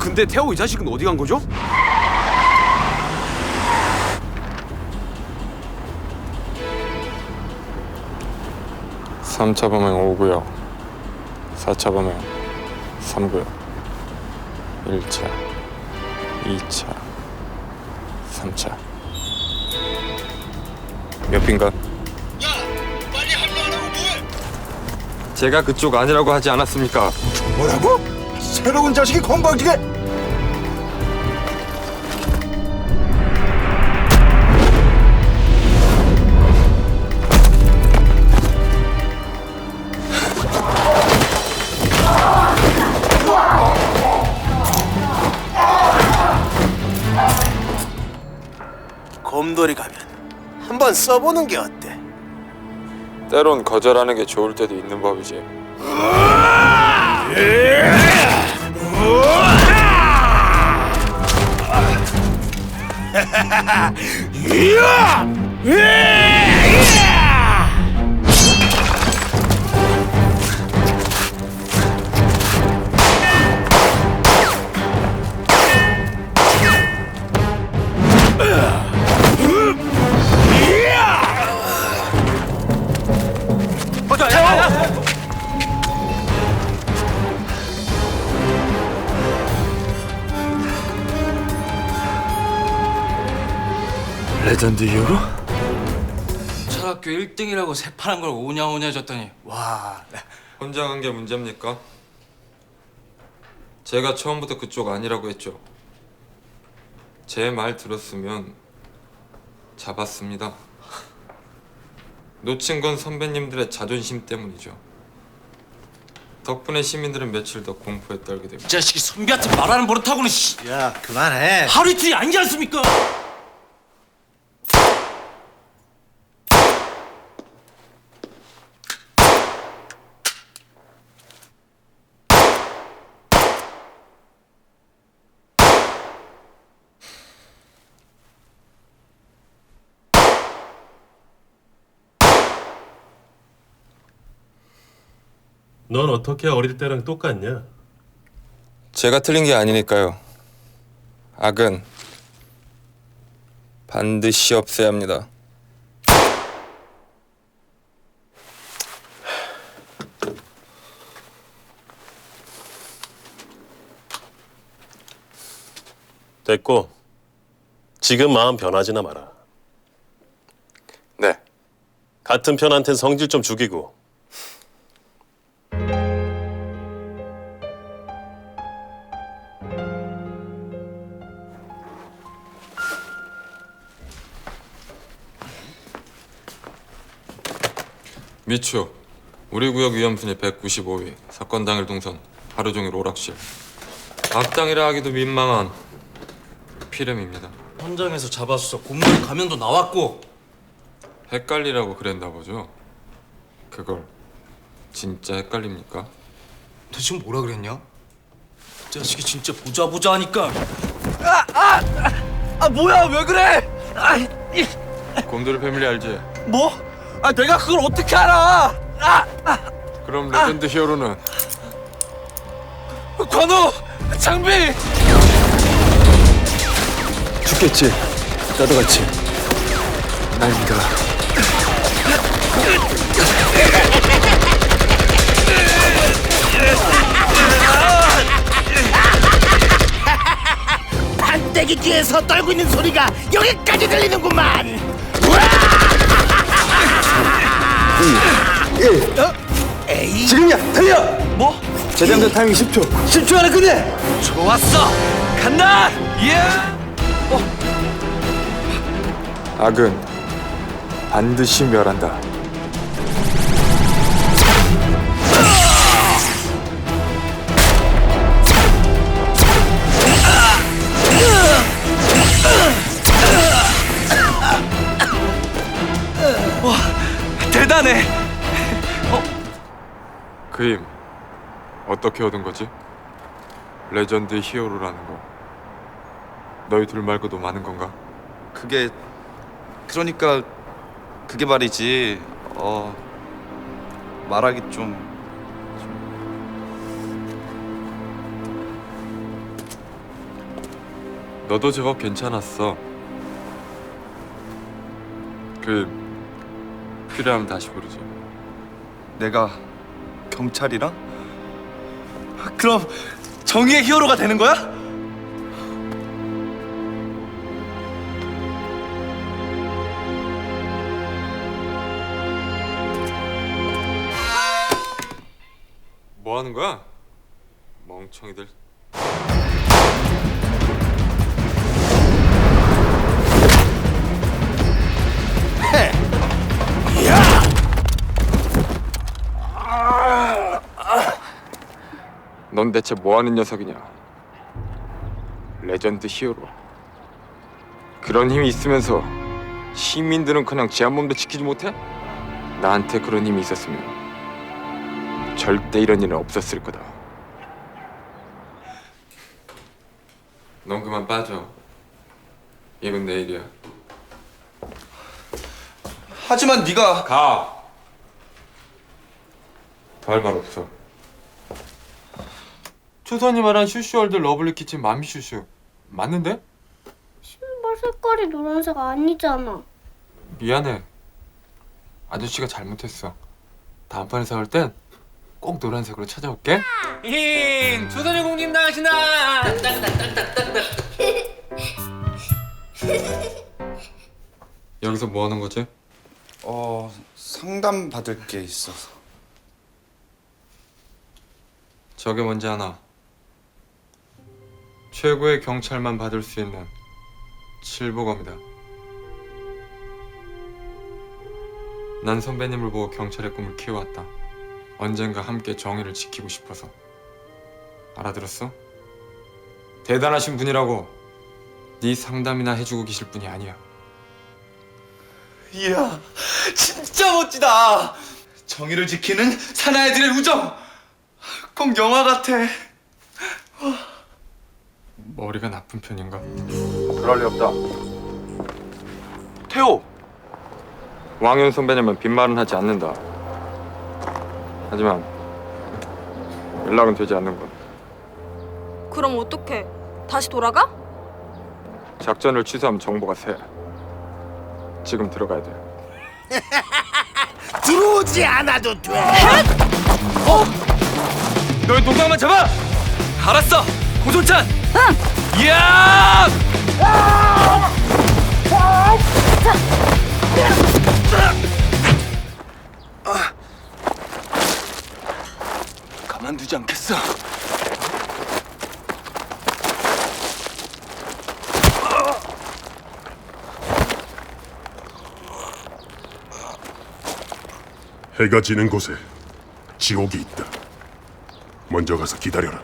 근데 태호 이 자식은 어디 간 거죠? 삼차 범행 5구역, 4차 범행 3구역, 1차, 2차, 3차. 몇 빈가? 야, 빨리 합류하라고 뭐해? 제가 그쪽 아니라고 하지 않았습니까? 뭐라고? 새로운 자식이 건방지게? 곰돌이 가면 한번 써보는 게 어때? 때론 거절하는 게 좋을 때도 있는 법이지. 레전드 히어로? 철학교 1등이라고 새파란 걸 오냐오냐 줬더니 와. 혼자 간 게 문제입니까? 제가 처음부터 그쪽 아니라고 했죠. 제 말 들었으면 잡았습니다. 놓친 건 선배님들의 자존심 때문이죠. 덕분에 시민들은 며칠 더 공포에 떨게 됩니다. 이 자식이 선비한테 말하는 버릇하고는 씨. 야, 그만해. 하루 이틀이 아니지 않습니까? 넌 어떻게 어릴 때랑 똑같냐? 제가 틀린 게 아니니까요. 악은 반드시 없애야 합니다. 됐고, 지금 마음 변하지나 마라. 네. 같은 편한텐 성질 좀 죽이고. 미추, 우리 구역 위험순위 195위, 사건 당일 동선, 하루 종일 오락실. 악당이라 하기도 민망한 피렘입니다. 현장에서 잡아서 곰돌이 가면도 나왔고. 헷갈리라고 그랬나 보죠? 그걸 진짜 헷갈립니까? 너 지금 뭐라 그랬냐? 이 자식이 진짜 보자 하니까. 뭐야 왜 그래? 곰돌이 패밀리 알지? 뭐? 내가 그걸 어떻게 알아? 그럼 레전드 히어로는 관우! 장비! 죽겠지. 나도 같이. 날 믿어라. 판때기 뒤에서 떨고 있는 소리가 여기까지 들리는구만. 에이. 지금이야. 달려. 뭐? 재장전 타이밍 10초. 10초 안에 끝내. 좋았어! 간다! 예! 악은 반드시 멸한다. 대단해! 그 힘 어떻게 얻은 거지? 레전드 히어로라는 거 너희 둘 말고도 많은 건가? 그러니까 그게 말이지. 말하기 좀 너도 제법 괜찮았어. 필요하면 다시 부르지. 내가 경찰이랑? 그럼 정의의 히어로가 되는 거야? 뭐 하는 거야? 멍청이들. 넌 대체 뭐 하는 녀석이냐? 레전드 히어로. 그런 힘이 있으면서 시민들은 그냥 제 한 몸도 지키지 못해? 나한테 그런 힘이 있었으면 절대 이런 일은 없었을 거다. 넌 그만 빠져. 이건 내일이야. 하지만 네가 가. 더 할 말 없어. 초선이 말한 슈슈월드 러블리 키친 맘슈슈 맞는데? 신발 색깔이 노란색 아니잖아. 미안해. 아저씨가 잘못했어. 다음번에 사올 땐 꼭 노란색으로 찾아올게. 힝! 조선의 공님 나가신다! 여기서 뭐 하는 거지? 상담 받을 게 있어서. 저게 뭔지 아나? 최고의 경찰만 받을 수 있는 칠보검이다. 난 선배님을 보고 경찰의 꿈을 키워왔다. 언젠가 함께 정의를 지키고 싶어서. 알아들었어? 대단하신 분이라고. 네 상담이나 해주고 계실 분이 아니야. 이야, 진짜 멋지다. 정의를 지키는 사나이들의 우정. 꼭 영화 같아. 머리가 나쁜 편인가? 그럴 리 없다. 태호. 왕윤 선배님은 빈말은 하지 않는다. 하지만 연락은 되지 않는군. 그럼 어떡해? 다시 돌아가? 작전을 취소하면 정보가 새. 지금 들어가야 돼. 들어오지 않아도 돼. 너희 동상만 잡아! 알았어! 고종찬! 응! 이야! 가만두지 않겠어. 해가 지는 곳에 지옥이 있다. 먼저 가서 기다려라.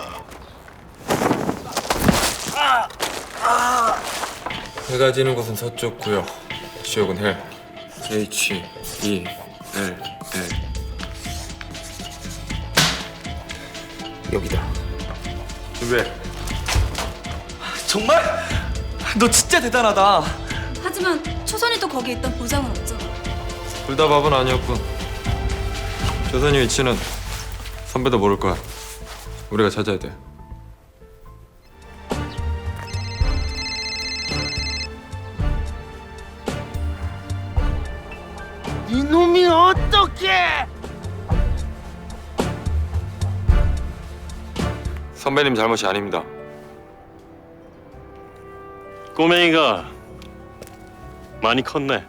해가 지는 곳은 서쪽 구역. 지역은 헬. H-E-L-L. 여기다. 왜? 정말? 너 진짜 대단하다. 하지만 초선이도 거기 있던 보장은 없잖아. 둘 다 밥은 아니었군. 조선이 위치는 선배도 모를 거야. 우리가 찾아야 돼. 이놈이 어떻게? 선배님 잘못이 아닙니다. 꼬맹이가 많이 컸네.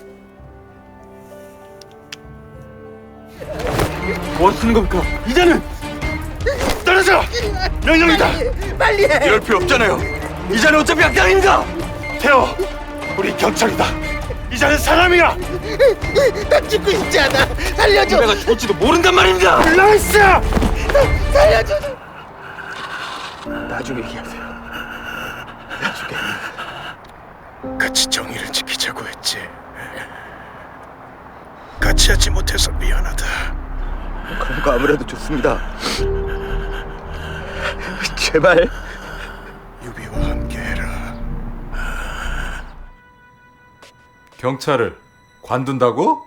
뭐 하시는 겁니까? 이제는 떨어져! 명령이다! 빨리 해. 이럴 필요 없잖아요. 이자는 어차피 악당입니다. 태호, 우리 경찰이다. 이자는 사람이야. 나 죽고 있지 않아. 살려줘. 내가 죽을지도 모른단 말입니다. 올라있어. 살려줘. 나중에 얘기하세요. 나중에. 같이 정의를 지키자고 했지. 같이 하지 못해서 미안하다. 그런 거 아무래도 좋습니다. 제발. 유비와 함께해라. 경찰을 관둔다고?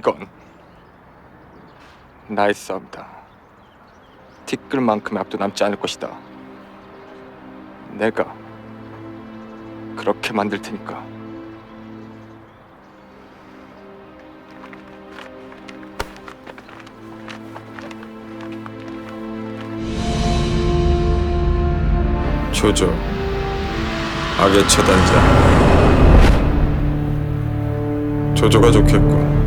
이건 나의 싸움이다. 티끌만큼의 앞도 남지 않을 것이다. 내가 그렇게 만들 테니까. 조조, 악의 처단자. 조조가 좋겠군.